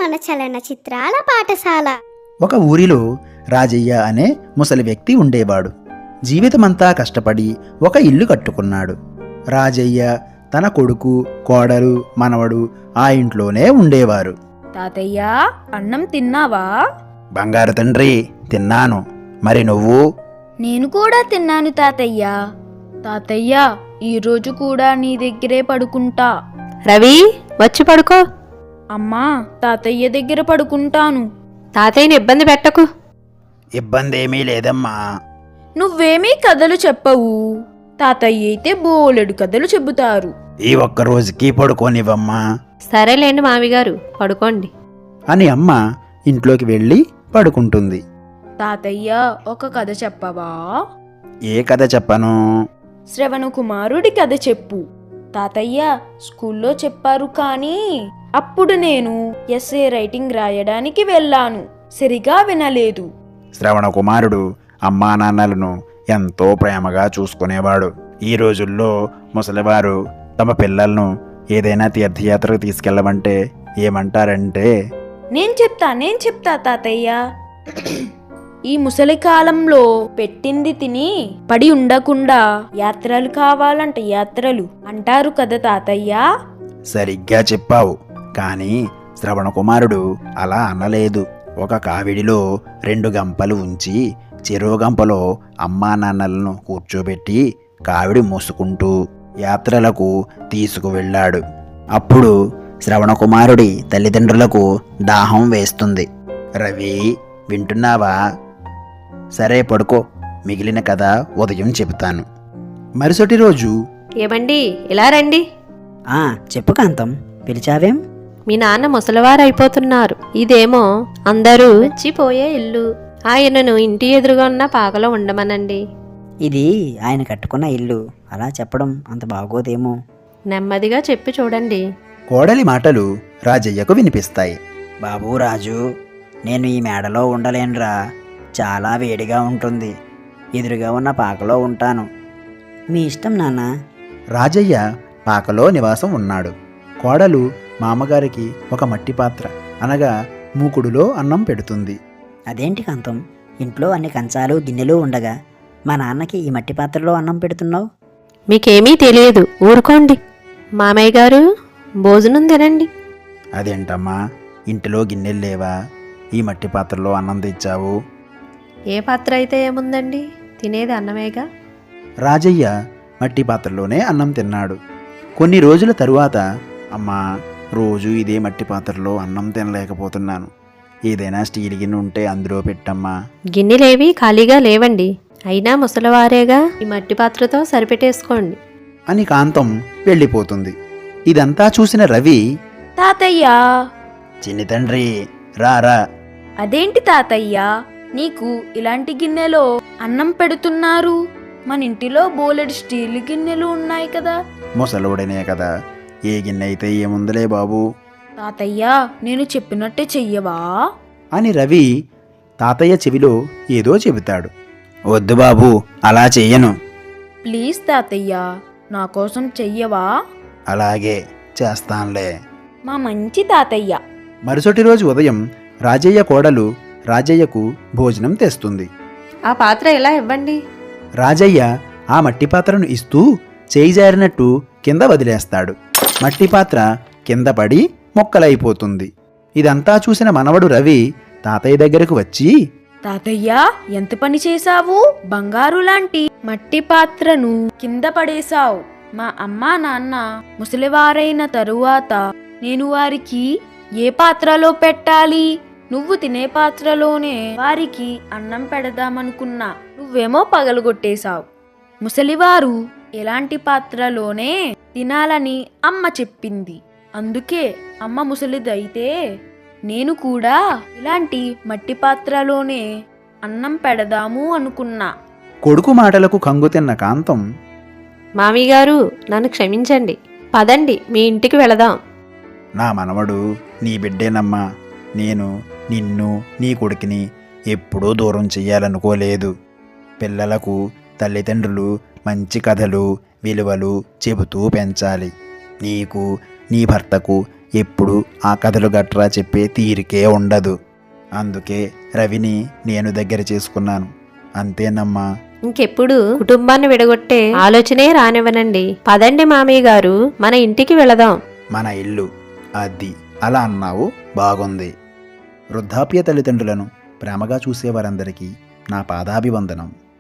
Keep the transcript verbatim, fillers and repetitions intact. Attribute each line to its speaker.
Speaker 1: మన చలనచిత్రాల పాఠశాల.
Speaker 2: ఒక ఊరిలో రాజయ్య అనే ముసలి వ్యక్తి ఉండేవాడు. జీవితమంతా కష్టపడి ఒక ఇల్లు కట్టుకున్నాడు. రాజయ్య తన కొడుకు, కోడలు, మనవడు ఆ ఇంట్లోనే ఉండేవారు.
Speaker 3: తాతయ్య, అన్నం తిన్నావా?
Speaker 2: బంగారు తండ్రి, తిన్నాను. మరి నువ్వు?
Speaker 3: నేను కూడా తిన్నాను తాతయ్య. తాతయ్య, ఈరోజు కూడా నీ దగ్గరే పడుకుంటా.
Speaker 4: రవి, వచ్చి పడుకో.
Speaker 3: అమ్మా, తాతయ్య దగ్గర పడుకుంటాను.
Speaker 4: తాతయ్యని ఇబ్బంది పెట్టకు.
Speaker 2: ఇబ్బంది ఏమీ లేదమ్మా.
Speaker 3: నువ్వేమీ కథలు చెప్పవు. తాతయ్య అయితే బోలెడు కథలు చెబుతారు.
Speaker 2: ఈ ఒక్క రోజుకి పడుకోనివ్వమ్మా
Speaker 4: సరేలేండి మామిగారు, పడుకోండి
Speaker 2: అని అమ్మ ఇంట్లోకి వెళ్ళి పడుకుంటుంది.
Speaker 3: తాతయ్య, ఒక కథ చెప్పవా?
Speaker 2: ఏ కథ చెప్పను?
Speaker 3: శ్రవణ కుమారుడి కథ చెప్పు. తాతయ్య, స్కూల్లో చెప్పారు కానీ అప్పుడు నేను ఎస్ఏ రైటింగ్ రాయడానికి వెళ్ళాను. సరిగా వినలేదు.
Speaker 2: శ్రవణ కుమారుడు అమ్మా నాన్నలను ఎంతో ప్రేమగా చూసుకునేవాడు. ఈ రోజుల్లో ముసలివారు తమ పిల్లలను ఏదైనా తీర్థయాత్రకు తీసుకెళ్ళమంటే ఏమంటారంటే,
Speaker 3: నేను చెప్తా నేను చెప్తా తాతయ్య. ఈ ముసలి కాలంలో పెట్టింది తిని పడి ఉండకుండా యాత్రలు కావాలంట, యాత్రలు అంటారు కదా తాతయ్య.
Speaker 2: సరిగ్గా చెప్పావు. కానీ శ్రవణ కుమారుడు అలా అనలేదు. ఒక కావిడిలో రెండు గంపలు ఉంచి చెరో గంపలో అమ్మా నాన్నలను కూర్చోబెట్టి కావిడి మూసుకుంటూ యాత్రలకు తీసుకువెళ్ళాడు. అప్పుడు శ్రవణ కుమారుడి తల్లిదండ్రులకు దాహం వేస్తుంది. రవి, వింటున్నావా? సరే పడుకో, మిగిలిన కథ ఉదయం చెబుతాను. మరుసటి రోజు,
Speaker 4: ఏమండి, ఇలా రండి.
Speaker 5: ఆ చెప్పు కాంతం, పిలిచావేం?
Speaker 4: మీ నాన్న ముసలివారు అయిపోతున్నారు. ఇదేమో అందరూ వచ్చిపోయే ఇల్లు. ఆయనను ఇంటి ఎదురుగా ఉన్న పాకలో ఉండమనండి.
Speaker 5: ఇది ఆయన కట్టుకున్న ఇల్లు, అలా చెప్పడం అంత బాగోదేమో.
Speaker 4: నెమ్మదిగా చెప్పి చూడండి.
Speaker 2: కోడలి మాటలు రాజయ్యకు వినిపిస్తాయి.
Speaker 5: బాబూ రాజు, నేను ఈ మేడలో ఉండలేనురా. చాలా వేడిగా ఉంటుంది. ఎదురుగా ఉన్న పాకలో ఉంటాను. మీ ఇష్టం నాన్న.
Speaker 2: రాజయ్య పాకలో నివాసం ఉన్నాడు. కోడలు మామగారికి ఒక మట్టి పాత్ర అనగా మూకుడులో అన్నం పెడుతుంది.
Speaker 5: అదేంటి కాంతం, ఇంట్లో అన్ని కంచాలు గిన్నెలు ఉండగా మా నాన్నకి ఈ మట్టి పాత్రలో అన్నం పెడుతున్నావు?
Speaker 4: మీకేమీ తెలియదు, ఊరుకోండి. మామయ్య గారు, భోజనం తినండి.
Speaker 2: అదేంటమ్మా, ఇంటిలో గిన్నెలు లేవా? ఈ మట్టి పాత్రలో అన్నం తెచ్చావు?
Speaker 4: ఏ పాత్ర అయితే ఏముందండి, తినేది అన్నమేగా.
Speaker 2: రాజయ్య మట్టి పాత్రలోనే అన్నం తిన్నాడు. కొన్ని రోజుల తరువాత, అమ్మా, రోజు ఇదే మట్టి పాత్రలో అన్నం తినలేకపోతున్నాను. ఏదైనా స్టీల్ గిన్నె ఉంటే అందులో పెట్టమ్మా.
Speaker 4: గిన్నెలేవి ఖాళీగా లేవండి. అయినా ముసలివారేగా, ఈ మట్టి పాత్రతో సరిపెట్టేసుకోండి
Speaker 2: అని కాంతం వెళ్ళిపోతుంది. ఇదంతా చూసిన రవి,
Speaker 3: తాతయ్య,
Speaker 2: చిన్ని తండ్రి, రారా.
Speaker 3: అదేంటి తాతయ్య, నీకు ఇలాంటి గిన్నెలో అన్నం పెడుతున్నారు? మన ఇంటిలో బోలెడు స్టీల్ గిన్నెలు ఉన్నాయి కదా.
Speaker 2: ముసలోడనే కదా, ఏ గిన్నె అయితే ఏముందిలే బాబు
Speaker 3: తాతయ్య, నేను చెప్పినట్టే చెయ్యవా?
Speaker 2: అని రవి తాతయ్య చెవిలో ఏదో చెబుతాడు. వద్దు బాబు, అలా చెయ్యను.
Speaker 3: ప్లీజ్ తాతయ్య, నా కోసం చెయ్యవా?
Speaker 2: అలాగే చేస్తాన్లే.
Speaker 3: మా మంచి తాతయ్య.
Speaker 2: మరుసటి రోజు ఉదయం రాజయ్య కోడలు రాజయ్యకు భోజనం తెస్తుంది.
Speaker 4: ఆ పాత్ర ఇలా ఇవ్వండి.
Speaker 2: రాజయ్య ఆ మట్టి పాత్రను ఇస్తూ చేయి జారినట్టు కింద వదిలేస్తాడు. మట్టి పాత్ర కింద పడి మొక్కలైపోతుంది. ఇదంతా చూసిన మనవడు రవి తాతయ్య దగ్గరకు వచ్చి,
Speaker 3: తాతయ్య, ఎంత పని చేశావు? బంగారు లాంటి మట్టి పాత్రను కింద పడేశావు. మా అమ్మా నాన్న ముసలివారైన తరువాత నేను వారికి ఏ పాత్రలో పెట్టాలి? నువ్వు తినే పాత్రలోనే వారికి అన్నం పెడదామనుకున్నా. నువ్వేమో పగలగొట్టేశావు. ముసలివారు ఎలాంటి పాత్రలోనే తినాలని అమ్మ చెప్పింది. అందుకే అమ్మ ముసలిదైతే నేను కూడా ఇలాంటి మట్టి పాత్రలోనే అన్నం పెడదాము అనుకున్నా.
Speaker 2: కొడుకు మాటలకు కంగుతిన్న కాంతం,
Speaker 4: మామయ్య గారు, నన్ను క్షమించండి. పదండి, మీ ఇంటికి వెళదాం.
Speaker 2: నా మనవడు నీ బిడ్డేనమ్మా. నేను నిన్ను, నీ కొడుకుని ఎప్పుడూ దూరం చెయ్యాలనుకోలేదు. పిల్లలకు తల్లిదండ్రులు మంచి కథలు, విలువలు చెబుతూ పెంచాలి. నీకు, నీ భర్తకు ఎప్పుడు ఆ కథలు గట్రా చెప్పే తీరికే ఉండదు. అందుకే రవిని నేను దగ్గర చేసుకున్నాను. అంతేనమ్మా.
Speaker 4: ఇంకెప్పుడు కుటుంబాన్ని విడగొట్టే ఆలోచనే రానివ్వనండి. పదండి మామయ్య గారు, మన ఇంటికి వెళదాం.
Speaker 2: మన ఇల్లు అది అలా అన్నావు, బాగుంది. వృద్ధాప్య తల్లిదండ్రులను ప్రేమగా చూసేవారందరికీ నా పాదాభివందనం.